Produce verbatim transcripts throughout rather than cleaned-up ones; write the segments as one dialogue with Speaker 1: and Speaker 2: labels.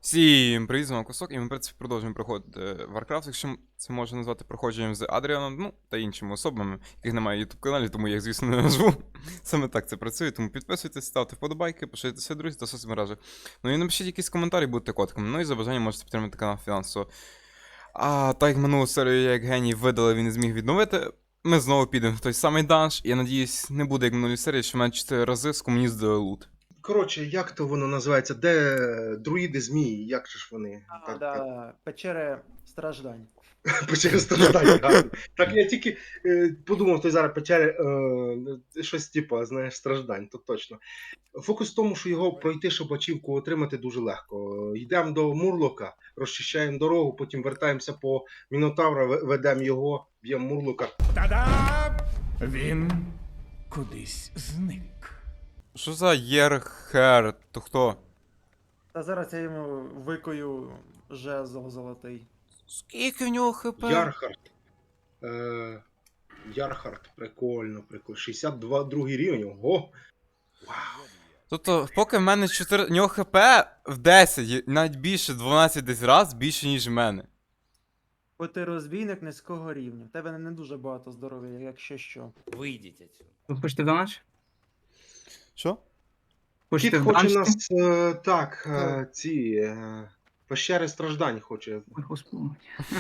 Speaker 1: Всім привіт, з вами Кусок, і ми, в принципі, продовжуємо проходити Warcraft, якщо це можна назвати проходженням з Адріаном, ну, та іншими особами, яких немає YouTube каналі, тому я їх, звісно, не назву. Саме так це працює, тому підписуйтесь, ставте вподобайки, пишіться друзі та соцмережі. Ну і напишіть якісь коментарі, будьте котками, ну і за бажанням можете підтримати канал фінансово. А так як минулу серію я як геній видали, він не зміг відновити, ми знову підемо в той самий данж, і я надіюсь, не буде як минулій серії, що мене чотири рази з комуніст дали лут.
Speaker 2: Коротше, як то воно називається? Де друїди змії? Як же ж вони?
Speaker 3: А,
Speaker 2: Так,
Speaker 3: да, печери страждань.
Speaker 2: Печери страждання. гарно. Так я тільки е, подумав, то зараз печери е, щось типу, знаєш, страждань, то точно. Фокус в тому, що його пройти, щоб ачівку отримати, дуже легко. Йдемо до Мурлока, розчищаємо дорогу, потім вертаємося по Мінотавра, ве- ведемо його, б'ємо Мурлока.
Speaker 4: Та-дам! Він кудись зник.
Speaker 1: Що за Єрхер? То хто?
Speaker 3: Та зараз я йому викою жезл золотий.
Speaker 1: Скільки в нього хп?
Speaker 2: Ярхард. Е, Ярхард, прикольно, прикольно. шістдесят два другий рівень. Ого!
Speaker 1: Тобто, поки в мене чотири... В нього хп в десять, навіть більше, дванадцять десь раз, більше, ніж в мене.
Speaker 3: Бо ти розбійник низького рівня. В тебе не дуже багато здоров'я, якщо що.
Speaker 5: Выйдите отсюда.
Speaker 6: Ви хочете в данж?
Speaker 1: Що?
Speaker 6: Хочете
Speaker 2: Кіт
Speaker 6: в
Speaker 2: хоче
Speaker 6: данж?
Speaker 2: нас, е, так, е, ці е, пещери страждань хоче.
Speaker 6: Ой, господи.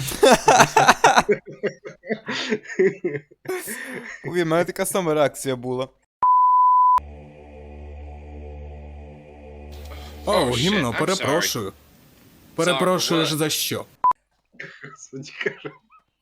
Speaker 1: Ой, в мене така сама реакція була.
Speaker 4: О, гімно, перепрошую. Перепрошуєш за що?
Speaker 2: Господи, каже.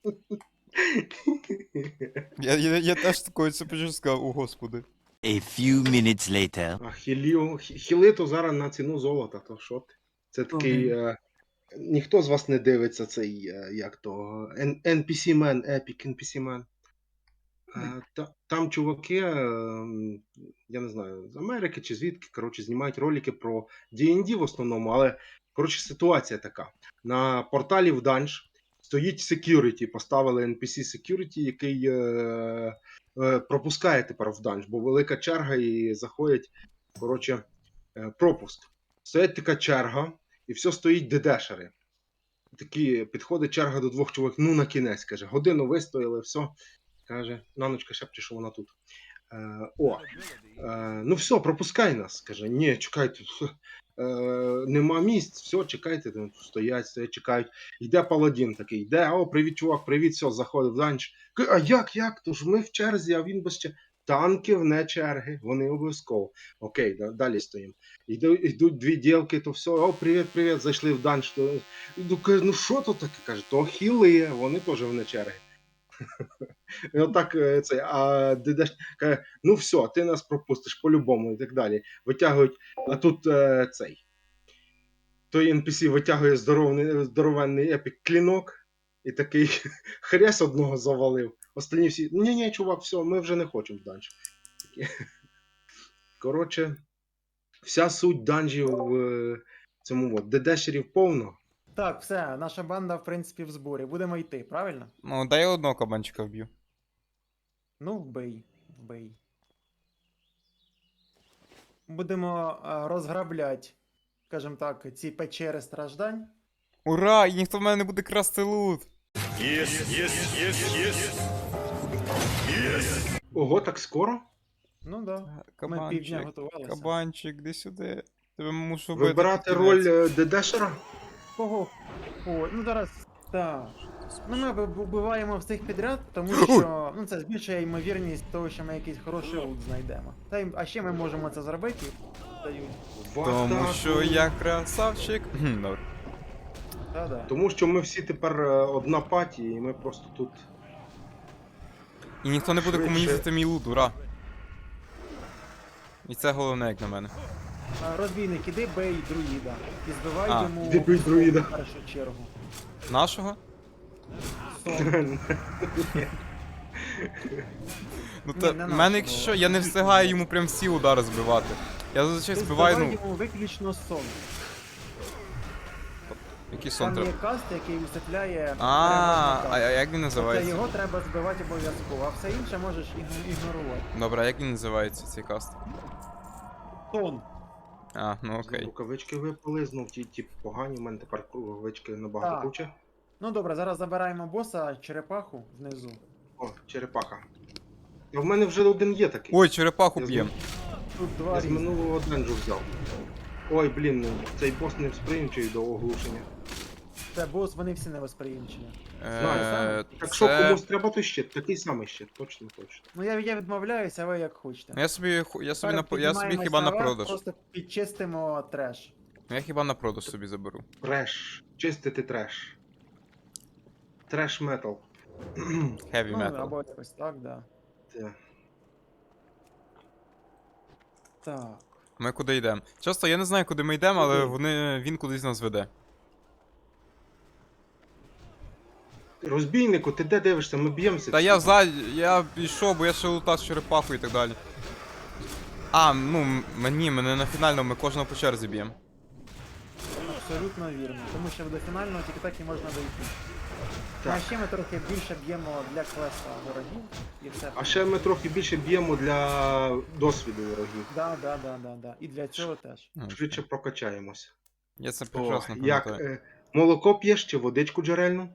Speaker 1: Я, я, я теж такою це почув сказав, о господи.
Speaker 5: A few minutes later.
Speaker 2: А хілів, хі- хіли то зараз на ціну золота, то що ти? Це такий. Е, ніхто з вас не дивиться цей, е, як то, Н- ен пі сі Man, Epic ен пі сі Man. Е, та, там чуваки, е, м, я не знаю, з Америки чи звідки, коротше, знімають ролики про ді ен ді в основному, але, коротше, ситуація така. На порталі в данж стоїть security, поставили ен пі сі security, який е, е, пропускає тепер в данж, бо велика черга і заходять, коротше, е, пропуск. Стоять така черга, і все стоїть дедешери. Такі підходить черга до двох чоловік, ну на кінець, каже, годину вистояли, все. Каже, наночка шепче, що вона тут. Е, о, е, ну все, пропускай нас. Каже, ні, чекайте, е, нема місць, все, чекайте, там стоять, стоять, чекають. Йде паладін такий, йде, о, привіт, чувак, привіт, все, заходить в данж. Каже, а як, як? Тож ми в черзі, а він без черги. Танки вне черги, вони обов'язково. Окей, да, далі стоїмо. Йду, йдуть дві дівки, то все, о, привіт, привіт, зайшли в данж. То, йду, каже, ну що то таке? Каже, то хіли, вони теж вне черги. І отак е, цей, а дедеш каже, ну все, ти нас пропустиш по-любому і так далі. Витягують, а тут е, цей. Той ен пі сі витягує здоровний, здоровенний епік клінок і такий хрясь одного завалив. Остальні всі, ні-ні, чувак, все, ми вже не хочемо в данж. Такі. Коротше, вся суть данжів в е, цьому от, дедешерів повно.
Speaker 3: Так, все, наша банда, в принципі, в зборі. Будемо йти, правильно?
Speaker 1: Ну, дай я одного кабанчика вб'ю.
Speaker 3: Ну, вбий, вбий. Будемо а, розграбляти, скажімо так, ці печери страждань.
Speaker 1: Ура! І ніхто в мене не буде красти лут!
Speaker 2: Ого, так скоро?
Speaker 3: Ну да. Ми півдня
Speaker 1: Кабанчик,
Speaker 3: готувалися.
Speaker 1: кабанчик, де сюди. Тебе мушу вбити.
Speaker 2: Вибирати
Speaker 1: під
Speaker 2: роль
Speaker 1: кінець.
Speaker 2: е, дедешера?
Speaker 3: Кого? О, ну зараз. Так. Ну ми вб- вбиваємо всіх підряд, тому що ну, це збільшує ймовірність того, що ми якийсь хороший лут знайдемо. Та й, а ще ми можемо це зробити. Дають.
Speaker 2: В
Speaker 1: Тому
Speaker 2: атаку.
Speaker 1: що я красавчик. Хм, добре.
Speaker 3: Та-да.
Speaker 2: Тому що ми всі тепер е, одна паті, і ми просто тут.
Speaker 1: І ніхто не буде
Speaker 2: Швидше.
Speaker 1: комуністити мій лут, ура. І це головне, як на мене.
Speaker 3: А, Розбійник, іди бей друїда. І збивай
Speaker 1: А,
Speaker 3: йому
Speaker 2: іди бей друїда.
Speaker 3: в першу чергу.
Speaker 1: Нашого?
Speaker 3: Сон.
Speaker 1: Ну
Speaker 3: Ні,
Speaker 1: та,
Speaker 3: не
Speaker 1: в
Speaker 3: нашого.
Speaker 1: мене якщо що, я не встигаю йому прям всі удари збивати. Я зазвичай
Speaker 3: Ти
Speaker 1: збиваю,
Speaker 3: збивай
Speaker 1: ну,
Speaker 3: йому виключно сон.
Speaker 1: який сон
Speaker 3: Там є
Speaker 1: треба.
Speaker 3: каст, який висвітляє.
Speaker 1: А, а
Speaker 3: а
Speaker 1: а як він називається?
Speaker 3: його треба збивати обов'язково, а все інше можеш іг- ігнорувати.
Speaker 1: Добре, а як він називається цей каст?
Speaker 3: Сон.
Speaker 1: А, ну
Speaker 2: Знов
Speaker 1: окей.
Speaker 2: рукавички випали, знов ті, ті погані, у мене тепер рукавички набагато
Speaker 3: Так.
Speaker 2: круче.
Speaker 3: Ну добре, зараз забираємо боса, черепаху внизу.
Speaker 2: О, черепаха. А в мене вже один є такий.
Speaker 1: Ой, черепаху
Speaker 2: Я з
Speaker 1: б'єм.
Speaker 3: Тут два
Speaker 2: Я з
Speaker 3: різних.
Speaker 2: минулого денджу взяв. Ой, блін, ну, цей бос не сприймчий до оглушення.
Speaker 3: Це бос, вони всі невосприємчені.
Speaker 2: Знаю,
Speaker 1: Е,
Speaker 2: Так що
Speaker 1: це-
Speaker 2: комусь треба той щит, такий самий щит, точно, точно.
Speaker 3: Ну я, я відмовляюся, а ви як хочете.
Speaker 1: Ну, Я собі, ху- я собі,
Speaker 3: Тепер
Speaker 1: на, я собі
Speaker 3: піднімаємось
Speaker 1: хіба на
Speaker 3: наверх,
Speaker 1: продаж.
Speaker 3: Просто підчистимо треш.
Speaker 1: Я хіба на продаж собі заберу.
Speaker 2: Треш. Чистити треш. Треш метал.
Speaker 1: Heavy
Speaker 3: Ну,
Speaker 1: metal.
Speaker 3: або якось так, да.
Speaker 2: Це.
Speaker 3: Так.
Speaker 1: Ми куди йдемо? Часто я не знаю, куди ми йдемо, але
Speaker 2: Куди?
Speaker 1: вони, він кудись нас веде.
Speaker 2: Розбійнику, ти де дивишся? Ми б'ємося.
Speaker 1: Та
Speaker 2: всі.
Speaker 1: я ззаді, я пішов, бо я ще лутав черепаху і так далі. А, ну, м- мені, мене на фінальному, ми кожного по черзі б'ємо.
Speaker 3: Абсолютно вірно. Тому що до фінального тільки так і можна дойти. Ну,
Speaker 2: Так.
Speaker 3: а ще ми трохи більше б'ємо для квеста ворогів і все.
Speaker 2: А ще ми трохи більше б'ємо для досвіду ворогів.
Speaker 3: Да, да, да, да, да. І для цього теж.
Speaker 1: Ну,
Speaker 2: Швидше прокачаємося.
Speaker 1: Я це
Speaker 2: О,
Speaker 1: прекрасно
Speaker 2: як
Speaker 1: пам'ятаю.
Speaker 2: е, молоко п'єш чи водичку джерельну?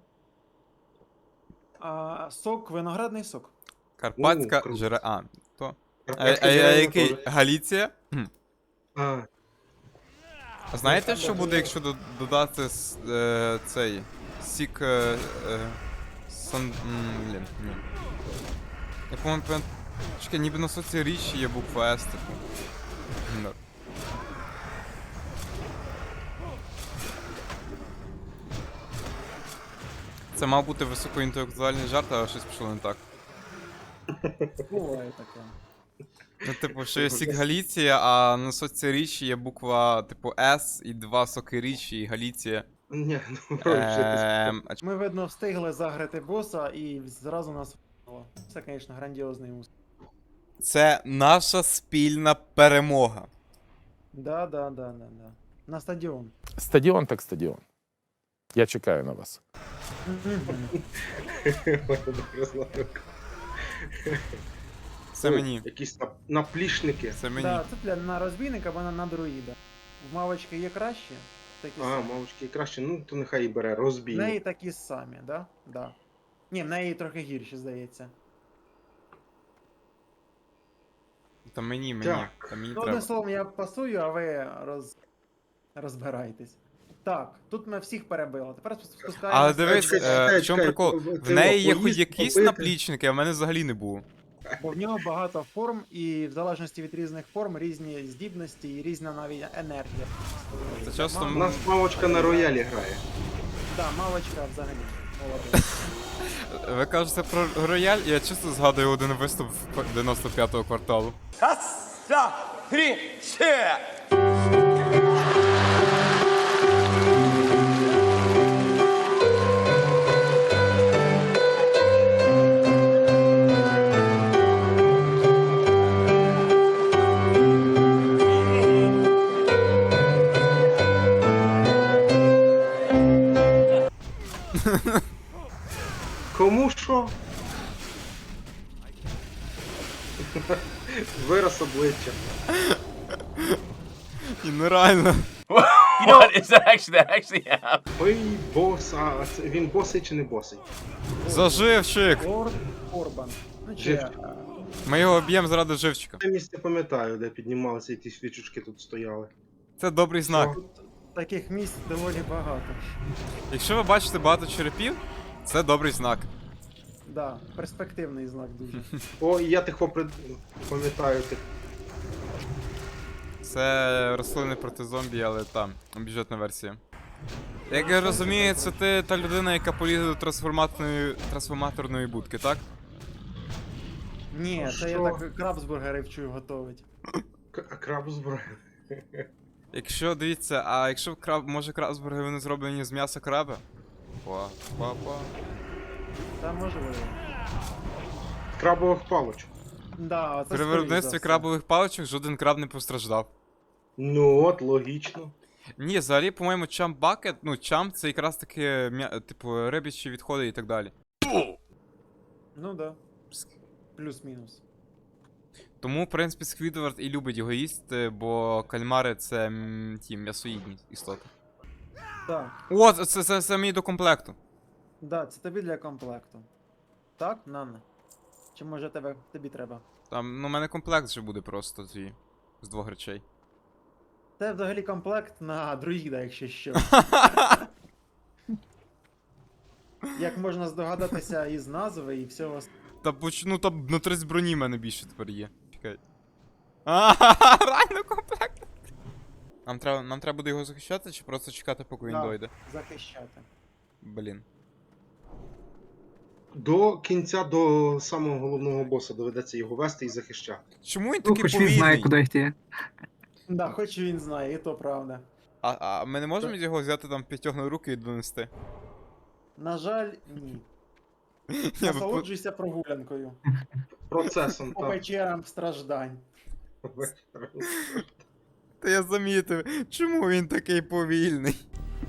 Speaker 3: А, сок, виноградний сок.
Speaker 1: Карпатська
Speaker 2: круто.
Speaker 1: жере... А, то. А, а,
Speaker 2: Карпатське
Speaker 1: а
Speaker 2: джерельне
Speaker 1: який?
Speaker 2: теж.
Speaker 1: Галіція? Хм.
Speaker 2: А,
Speaker 1: А знаєте, що буде, якщо до- додати с- е, цей сік. Е, е, сан... м, Блін, ні. Я по-моєму, пам'ят- чекай, ніби на соці річі є буква С, типу. Ну. Це мав бути високоінтелектуальний жарт, але щось пішло не так.
Speaker 3: Буває таке.
Speaker 1: Ну, типу, що є сік Галіція, а на соці річі є буква, типу, С і два соки річі і Галіція.
Speaker 2: ні, ну вже ти
Speaker 1: Ем, а ч-
Speaker 3: Ми, видно, встигли заграти боса і зразу нас вбило. Це, звісно, грандіозний успіх.
Speaker 1: Це наша спільна перемога.
Speaker 3: Да, да, да, да, да. На стадіон.
Speaker 7: Стадіон так стадіон. Я чекаю на вас.
Speaker 2: добре знаю.
Speaker 1: Це мені.
Speaker 2: Якісь нап- наплічники.
Speaker 1: Це мені.
Speaker 3: Да, це для на розбійника або на, на друїда. В мавочки є краще, такі
Speaker 2: А,
Speaker 3: самі.
Speaker 2: мовочки краще, ну то нехай і бере,
Speaker 3: В
Speaker 2: розбій.
Speaker 3: неї такі самі, да? Да. Ні, в неї трохи гірші, здається.
Speaker 1: Та мені, мені.
Speaker 2: Так.
Speaker 1: Та мені
Speaker 3: Ну,
Speaker 1: треба.
Speaker 3: одним словом, я пасую, а ви роз... розбирайтесь. Так, тут ми всіх перебили. Тепер спу- спускаємося.
Speaker 1: Але дивись,
Speaker 2: Чекай,
Speaker 1: е,
Speaker 2: чекай,
Speaker 1: в чому
Speaker 2: чекай,
Speaker 1: прикол?
Speaker 2: ти
Speaker 1: В неї є хоч
Speaker 2: поїсти,
Speaker 1: якісь
Speaker 2: попити.
Speaker 1: наплічники, а в мене взагалі не було.
Speaker 3: Бо в нього багато форм, і в залежності від різних форм різні здібності і різна навіть енергія.
Speaker 1: Це часто
Speaker 3: Мама-
Speaker 2: У нас мавочка на роялі грає.
Speaker 3: Да, мавочка взагалі. Молодець.
Speaker 1: Ви кажете про рояль, я чисто згадую один виступ в дев'яносто п'ятого кварталу.
Speaker 2: Кому що? Вираз обличчя.
Speaker 1: І нереально.
Speaker 5: You know what? It's actually that actually happened.
Speaker 2: Ой, бос, а це- він босий чи не босий?
Speaker 1: Заживчик!
Speaker 3: Лорд Орбан. Ну чи.
Speaker 2: Живчик.
Speaker 3: а,
Speaker 1: Ми його б'ємо заради живчика.
Speaker 2: Я місце пам'ятаю, де піднімалися і ті свічечки тут стояли.
Speaker 1: Це добрий знак.
Speaker 3: Таких місць доволі багато.
Speaker 1: Якщо ви бачите багато черепів, це добрий знак.
Speaker 3: Да, перспективний знак дуже.
Speaker 2: О, і я тих попри... пам'ятаю тих.
Speaker 1: Це рослини проти зомбі, але там, бюджетна версія. Як я розумію, це ти та людина, яка полізе до трансформаторної, трансформаторної будки, так?
Speaker 3: Ні, це я
Speaker 2: Що?
Speaker 3: так крабсбургери вчую готовить.
Speaker 2: К- Крабсбург.
Speaker 1: Якщо, дивіться, а якщо краб, може крабсбурги вони зроблені з м'яса краба? Па, па, па.
Speaker 3: Та можливо.
Speaker 2: Крабових палочок.
Speaker 3: Да, це
Speaker 1: При
Speaker 3: скоріш
Speaker 1: виробництві
Speaker 3: за все.
Speaker 1: крабових паличок жоден краб не постраждав.
Speaker 2: Ну от, логічно.
Speaker 1: Ні, взагалі, по-моєму, чамп бакет, ну чамп це якраз таки, м'я- типу, рибячі відходи і так далі.
Speaker 3: Ну да. Плюс-мінус.
Speaker 1: Тому, в принципі, Сквідвард і любить його їсти, бо кальмари це м, ті м'ясоїдні істоти.
Speaker 3: Так,
Speaker 1: О, це, це, це, це мені до комплекту.
Speaker 3: да, це тобі для комплекту. Так, Нанна? Чи може тебе, тобі треба?
Speaker 1: Там, ну, у мене комплект вже буде просто твій. З двох речей.
Speaker 3: Це взагалі комплект на друїда, якщо що. Як можна здогадатися із назви і всього. с-
Speaker 1: Та почну, там на тридцять броні в мене більше тепер є. Чекай. А, реально комплект. Нам треба, нам треба буде його захищати чи просто чекати, поки він
Speaker 3: Да.
Speaker 1: дойде?
Speaker 3: Захищати.
Speaker 1: Блін.
Speaker 2: До кінця, до самого головного боса доведеться його вести і захищати.
Speaker 1: Чому він
Speaker 6: Ну,
Speaker 1: такий
Speaker 6: хоч він знає,
Speaker 1: повільний?
Speaker 6: куди йти.
Speaker 3: Да, хоч він знає, і то правда.
Speaker 1: А, а ми не можемо його взяти там п'ятьох на руки і донести?
Speaker 3: На жаль, ні.
Speaker 1: Ні, бо-
Speaker 3: Насолоджуйся прогулянкою.
Speaker 2: Процесом,
Speaker 3: По
Speaker 2: так.
Speaker 3: вечерам страждань.
Speaker 1: Та я замітив, чому він такий повільний?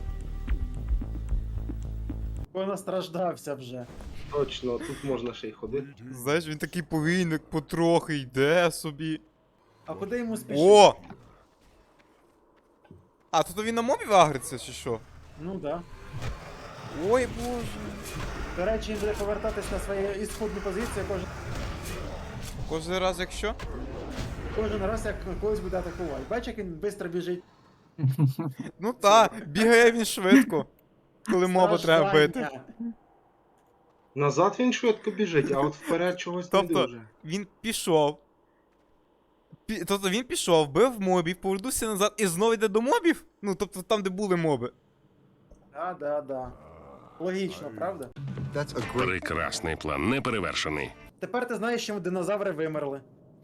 Speaker 3: Бо настраждався вже.
Speaker 2: Точно, тут можна ще й ходити.
Speaker 1: Знаєш, він такий повільний, потрохи йде собі.
Speaker 3: А куди йому спішити?
Speaker 1: О! А, тут він на мобів агриться, чи що?
Speaker 3: Ну да.
Speaker 1: Ой, боже.
Speaker 3: До речі, він буде повертатись на свою ісходну позицію кожен,
Speaker 1: Кожен раз, якщо?
Speaker 3: кожен раз, як когось буде атакувати. Бачиш, як він швидко біжить.
Speaker 1: Ну та, бігає він швидко. Коли моба треба бити.
Speaker 3: Страждання.
Speaker 2: Назад він швидко біжить, а от вперед чогось не
Speaker 1: Тобто,
Speaker 2: дуже.
Speaker 1: він пішов. Пі... Тобто він пішов, бив мобів, повернувся назад і знову йде до мобів? Ну, тобто там, де були моби.
Speaker 3: Да, да, да. Логічно, правда?
Speaker 8: Прекрасний план, неперевершений.
Speaker 3: Тепер ти знаєш, чому динозаври вимерли.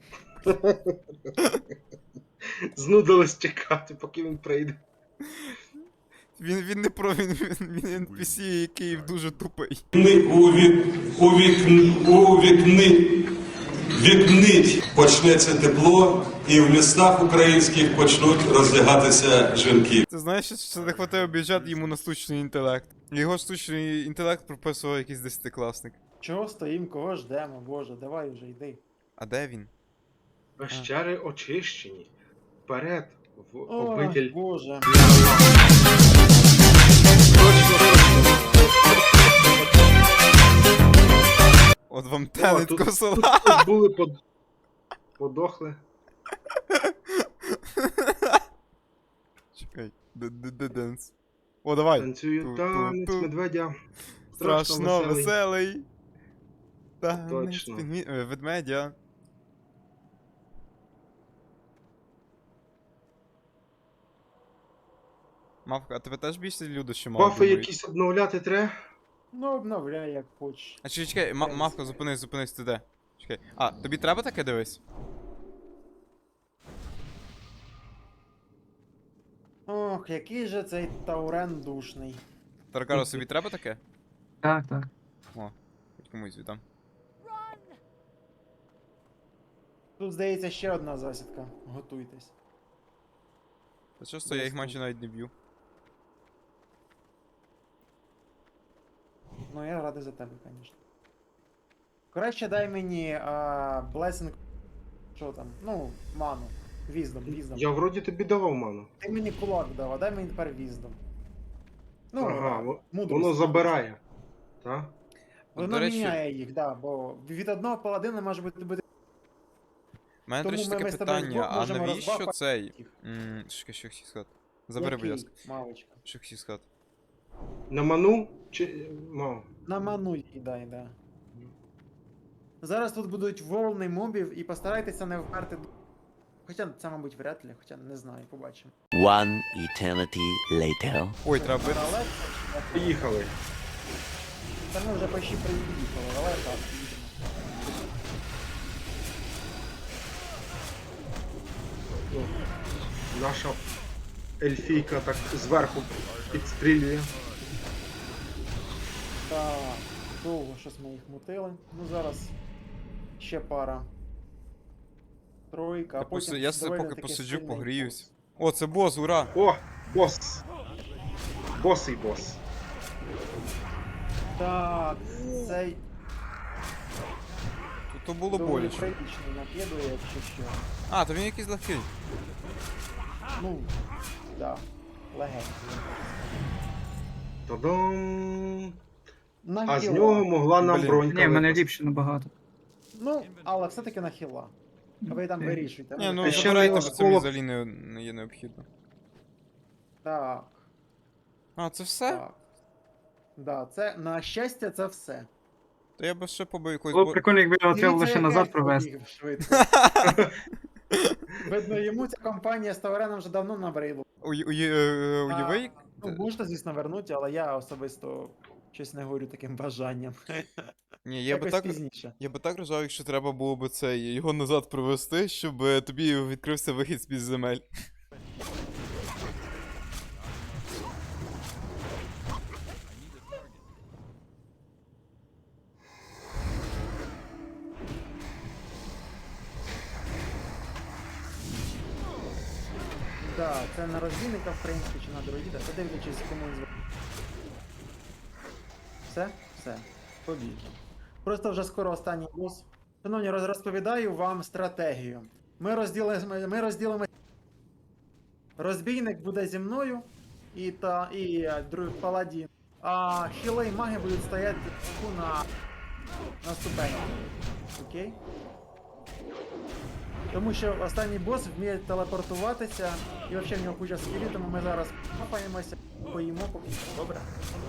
Speaker 2: Знудилось чекати, поки він прийде.
Speaker 1: Він, він не про він, він, він ен пі сі, який дуже тупий.
Speaker 9: У, вік, у, вік, у вікни, вікнить почнеться тепло, і в містах українських почнуть роздягатися жінки.
Speaker 1: Ти знаєш, що це не хватає бюджет йому на штучний інтелект. Його штучний інтелект прописував якийсь десятикласник.
Speaker 3: Чого стоїм, кого ждемо, боже, давай вже йди.
Speaker 1: А де він?
Speaker 2: Пещери очищені. Вперед, в
Speaker 3: Ой,
Speaker 2: обитель.
Speaker 3: боже.
Speaker 1: От вам
Speaker 2: О,
Speaker 1: телить
Speaker 2: тут,
Speaker 1: косола.
Speaker 2: тут, тут були под... подохли.
Speaker 1: Чекай, де-де-де-денс. О, давай.
Speaker 2: Танцюють
Speaker 1: Ту-
Speaker 2: танець
Speaker 1: ту- ту.
Speaker 2: медведя.
Speaker 1: Страшно веселий. Танець
Speaker 2: Точно.
Speaker 1: пінгві- е, ведмедя. Мавка, а тебе теж більше люди, що мало
Speaker 2: Бафи
Speaker 1: думають?
Speaker 2: якісь обновляти треба.
Speaker 3: Ну, обновляй, як хочеш.
Speaker 1: А чекай, чекай, ма- мавка, зупинись, зупинись, ти де? Чекай. А, тобі треба таке дивись?
Speaker 3: Ох, який же цей Таурен душний.
Speaker 1: Таркаро, собі треба таке?
Speaker 6: Так, так.
Speaker 1: О, хоч комусь віддам.
Speaker 3: Тут, здається, ще одна засідка. Готуйтесь.
Speaker 1: Та часто я їх майже навіть не б'ю.
Speaker 3: Ну, я радий за тебе, звісно. Краще дай мені а, Blessing. Що там? Ну, ману. Віздом, віздом.
Speaker 2: Я вроді тобі давав ману.
Speaker 3: Ти мені кулак дав, а дай мені тепер віздом. Ну,
Speaker 2: Ага, во-
Speaker 3: мудрість.
Speaker 2: воно забирає. Так?
Speaker 1: От,
Speaker 3: Воно
Speaker 1: до речі,
Speaker 3: міняє їх, да, бо від одного паладина може бути бути.
Speaker 1: У мене, до
Speaker 3: Тому
Speaker 1: речі,
Speaker 3: ми-
Speaker 1: таке
Speaker 3: ми з тобою
Speaker 1: питання,
Speaker 3: вдвох
Speaker 1: а
Speaker 3: можемо
Speaker 1: навіщо
Speaker 3: розбафати
Speaker 1: цей?
Speaker 3: їх.
Speaker 1: Ммм, що що хотів сказати? Забери, будь ласка.
Speaker 3: Мавочка.
Speaker 1: Що хотів сказати?
Speaker 2: На ману чи мав?
Speaker 3: На ману їй дай, да. Зараз тут будуть волни мобів і постарайтеся не вперти. д- Хоча це, мабуть, вряд ли, хоча не знаю, побачимо.
Speaker 10: One eternity later.
Speaker 1: Ой, треба бити.
Speaker 3: Але
Speaker 2: Поїхали.
Speaker 3: та ми вже почти приїхали, давай так, їдемо.
Speaker 2: Ну, наша ельфійка так зверху підстрілює.
Speaker 3: Так, довго щось ми їх мутили. Ну зараз ще пара. Тройка, а
Speaker 1: Я,
Speaker 3: потім
Speaker 1: поси... я себе
Speaker 3: доволі
Speaker 1: поки
Speaker 3: таки
Speaker 1: посиджу,
Speaker 3: сильний
Speaker 1: погріюсь.
Speaker 3: бос.
Speaker 1: О, це бос, ура!
Speaker 2: О, бос. Босий бос.
Speaker 3: Так, цей.
Speaker 1: Тут То було
Speaker 3: Доволі
Speaker 1: боляче.
Speaker 3: прилічно накидує, якщо що.
Speaker 1: А, то він якийсь легкий.
Speaker 3: Ну, да, легенький.
Speaker 2: Та-дам!
Speaker 3: На
Speaker 2: А з
Speaker 3: хіла.
Speaker 2: нього могла нам
Speaker 1: Блін.
Speaker 2: бронька
Speaker 6: Ні, в мене
Speaker 2: випасти.
Speaker 6: ліпше набагато.
Speaker 3: Ну, але все-таки на хіла. Ви там
Speaker 6: Окей.
Speaker 3: вирішуйте.
Speaker 1: Ні, ну
Speaker 2: Та ще
Speaker 1: забирайте,
Speaker 2: на
Speaker 1: бо це мені
Speaker 2: осколок-
Speaker 1: взагалі не, не є необхідно.
Speaker 3: Так,
Speaker 1: А, це все?
Speaker 3: так. Да, це, на щастя, це все.
Speaker 1: То я би ще побив якогось
Speaker 6: Було б
Speaker 1: бо...
Speaker 6: прикольно, якби його треба
Speaker 3: Дивіться,
Speaker 6: лише
Speaker 3: як
Speaker 6: назад
Speaker 3: Ельф
Speaker 6: провести.
Speaker 3: побіг швидко. Видно, йому ця компанія з Тавареном вже давно набридла.
Speaker 1: Уй- уй- е, Уяви,
Speaker 3: А,
Speaker 1: як-
Speaker 3: Ну, можна, звісно, вернути, але я особисто щось не говорю таким бажанням.
Speaker 1: Ні, я би
Speaker 3: Якось
Speaker 1: так.
Speaker 3: пізніше.
Speaker 1: Я би так рожав, якщо треба було б це його назад привести, щоб е, тобі відкрився вихід з-під земель.
Speaker 3: Да, це на розбійника, в принципі, чи на дроїда, подивлячись, кому він зв... Все? Все. Побіг. Просто вже скоро останній бос. Шановні, роз- розповідаю вам стратегію. Ми розділимо, ми розділимо. Розбійник буде зі мною і та і е, друг паладін. А хіли і маги будуть стояти на, на ступені. Окей? Тому що останній бос вміє телепортуватися, і взагалі в нього куча скілів, тому ми зараз попаємося, поїмо поки. Добре?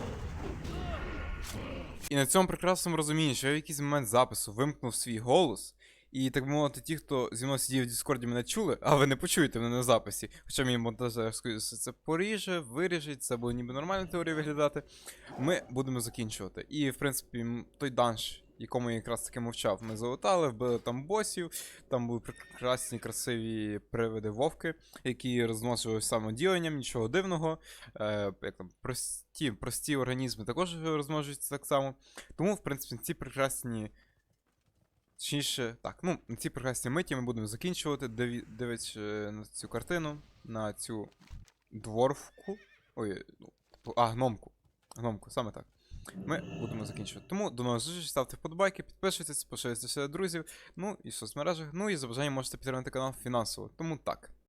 Speaker 1: І на цьому прекрасному розумінні, що я в якийсь момент запису вимкнув свій голос, і так би мовити, ті, хто зі мною сидів в Діскорді, мене чули, а ви не почуєте мене на записі. Хоча мій монтажер скажу, що це поріже, виріжить, це буде ніби нормальна теорія виглядати. Ми будемо закінчувати. І, в принципі, м, той данж, якому я якраз таки мовчав, ми залутали, вбили там босів, там були прекрасні, красиві привиди вовки, які розносили самоділенням, нічого дивного. Е, як там, прості, прості організми також розмножуються так само. Тому, в принципі, ці прекрасні. Точніше, так, ну, на ці прекрасні миті ми будемо закінчувати, диві- дивлячись е, на цю картину, на цю дворфку. Ой, ну, типу, а, гномку. Гномку, саме так. Ми будемо закінчувати. Тому до нових зустрічей, ставте вподобайки, підписуйтесь, поширюйте серед друзів, ну і в соцмережах. Ну і за бажанням можете підтримати канал фінансово. Тому так.